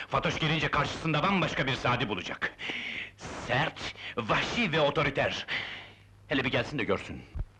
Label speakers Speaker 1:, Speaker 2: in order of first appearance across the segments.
Speaker 1: Fatoş gelince karşısında bambaşka bir Sadi bulacak. Sert, vahşi ve otoriter. Hele bir gelsin de görsün.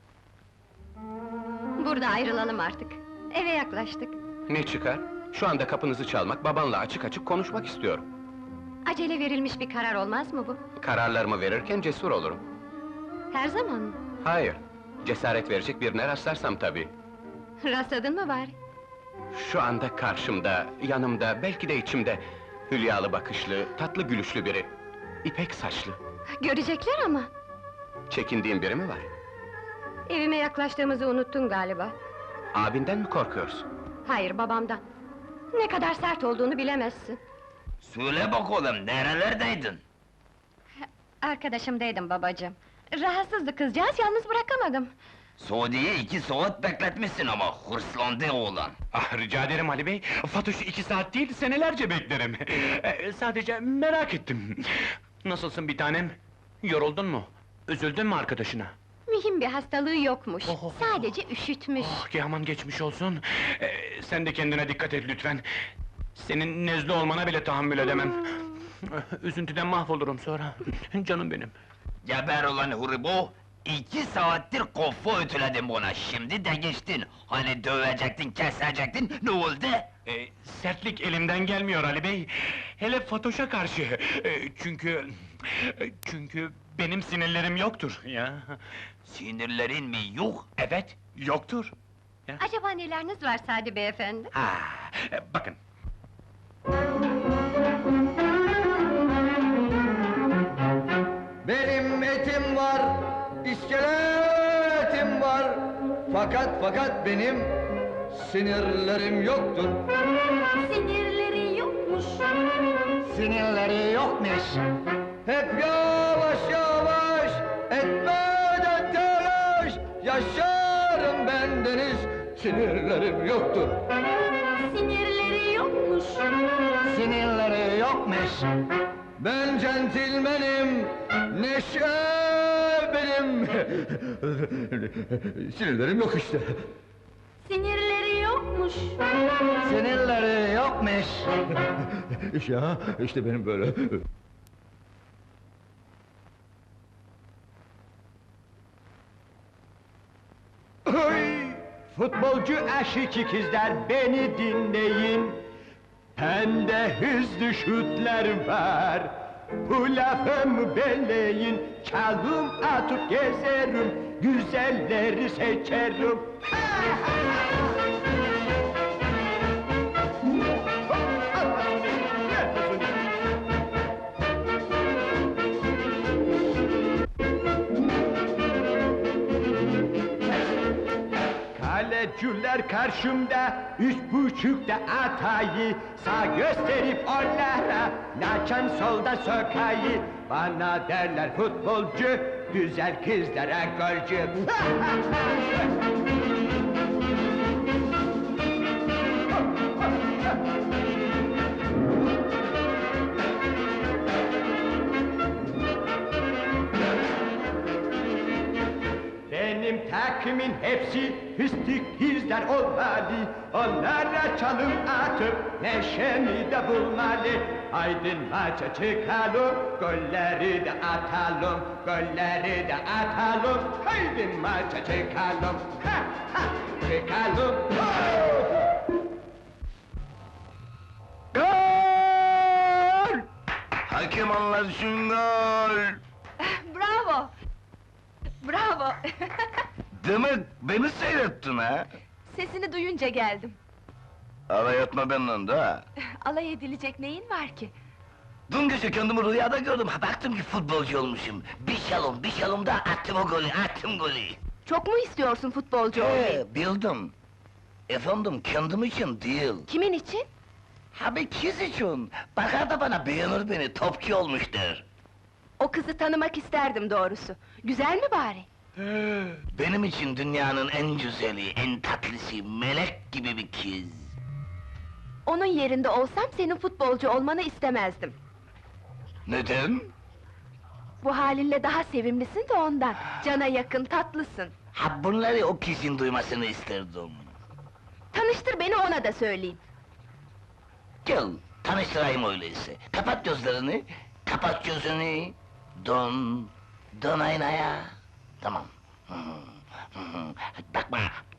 Speaker 2: Burada ayrılalım artık. Eve yaklaştık.
Speaker 3: Ne çıkar? Şu anda kapınızı çalmak, babanla açık açık konuşmak istiyorum.
Speaker 2: Acele verilmiş bir karar olmaz mı bu?
Speaker 3: Kararlarımı verirken cesur olurum.
Speaker 2: Her zaman mı?
Speaker 3: Hayır, cesaret verecek birine rastlarsam tabii.
Speaker 2: Rastladın mı bari?
Speaker 3: Şu anda karşımda, yanımda, belki de içimde... Hülyalı bakışlı, tatlı gülüşlü biri. İpek saçlı.
Speaker 2: Görecekler ama!
Speaker 3: Çekindiğin biri mi var?
Speaker 2: Evime yaklaştığımızı unuttun galiba.
Speaker 3: Abinden mi korkuyorsun?
Speaker 2: Hayır, babamdan. Ne kadar sert olduğunu bilemezsin.
Speaker 4: Söyle bakalım, nerelerdeydin?
Speaker 2: Arkadaşımdaydım babacığım. Rahatsızdı kızcağız, yalnız bırakamadım.
Speaker 4: Suudi'yi 2 saat bekletmişsin ama hırslandı oğlan.
Speaker 1: Ah, rica ederim Ali Bey, Fatoş'u 2 saat değil, senelerce beklerim. Sadece merak ettim. Nasılsın bir tanem? Yoruldun mu? Üzüldün mü arkadaşına?
Speaker 2: Mühim bir hastalığı yokmuş.
Speaker 1: Oh.
Speaker 2: Sadece üşütmüş.
Speaker 1: Oh, ki aman geçmiş olsun. Sen de kendine dikkat et lütfen. Senin nezle olmana bile tahammül edemem. Üzüntüden mahvolurum sonra. Canım benim.
Speaker 4: Geber ulan huribo! 2 saattir kafa ötüledin bana, şimdi de geçtin. Hani dövecektin, kesecektin, ne oldu?
Speaker 1: Sertlik elimden gelmiyor Ali Bey. Hele Fatoş'a karşı. Çünkü benim sinirlerim yoktur ya.
Speaker 4: Sinirlerin mi yok?
Speaker 1: Evet, yoktur.
Speaker 2: Acaba neleriniz var Sadi beyefendi?
Speaker 1: Ha, bakın.
Speaker 5: Benim etim var, iskeletim var. Fakat benim sinirlerim yoktur.
Speaker 2: Sinirleri yokmuş.
Speaker 5: Sinirleri yokmuş. Hep yavaş yavaş, etmeden telaş. Yaşarım bendeniz, sinirlerim yoktur.
Speaker 2: Sinirleri yokmuş.
Speaker 5: Sinirleri yokmuş. Ben centilmenim, neşe benim. Sinirlerim yok işte.
Speaker 2: Sinirleri yokmuş.
Speaker 5: Sinirleri yokmuş. Ya, işte benim böyle.
Speaker 6: Hey! Futbolcu aşık ikizler beni dinleyin. Bende hızlı şutlar var. Bu lafımı belleyin. Çalım atıp gezerim. Güzelleri seçerim. Kaleciler karşımda, 3.5'da atayı. Sağ gösterip onlara, laçan solda sokayı. Bana derler futbolcu, güzel kızlara golcü. Benim takımın hepsi fıstık kızlar olmalı. Onlara çalım atıp neşemi de bulmalı. Haydi maça çıkalım, golleri de atalım, golleri de atalım. Haydi maça çıkalım, ha ha, çıkalım.
Speaker 4: Gol! Hakem anlasın gol!
Speaker 2: Bravo! Bravo!
Speaker 4: Demek beni seyrettin ha?
Speaker 7: Sesini duyunca geldim.
Speaker 4: Alay etme benden de ha!
Speaker 7: Alay edilecek neyin var ki?
Speaker 4: Dün gece kendimi rüyada gördüm, ha baktım ki futbolcu olmuşum. Bir şalım da attım o golü, attım golü!
Speaker 7: Çok mu istiyorsun futbolcu olmayı?
Speaker 4: Bildim! Efendim, kendim için değil.
Speaker 7: Kimin için?
Speaker 4: Ha bir kız için! Bakar da bana beğenir beni, topçu olmuş der.
Speaker 7: O kızı tanımak isterdim doğrusu. Güzel mi bari?
Speaker 4: Benim için dünyanın en güzeli, en tatlısı, melek gibi bir kız.
Speaker 7: Onun yerinde olsam senin futbolcu olmanı istemezdim.
Speaker 4: Neden?
Speaker 7: Bu halinle daha sevimlisin de ondan. Cana yakın, tatlısın.
Speaker 4: Ha bunları o kızın duymasını isterdim.
Speaker 7: Tanıştır beni, ona da söyleyeyim.
Speaker 4: Gel,
Speaker 8: Tanıştırayım öyleyse. Kapat gözlerini, kapat gözünü. Dön, dön aynaya. Tamam. Bakma,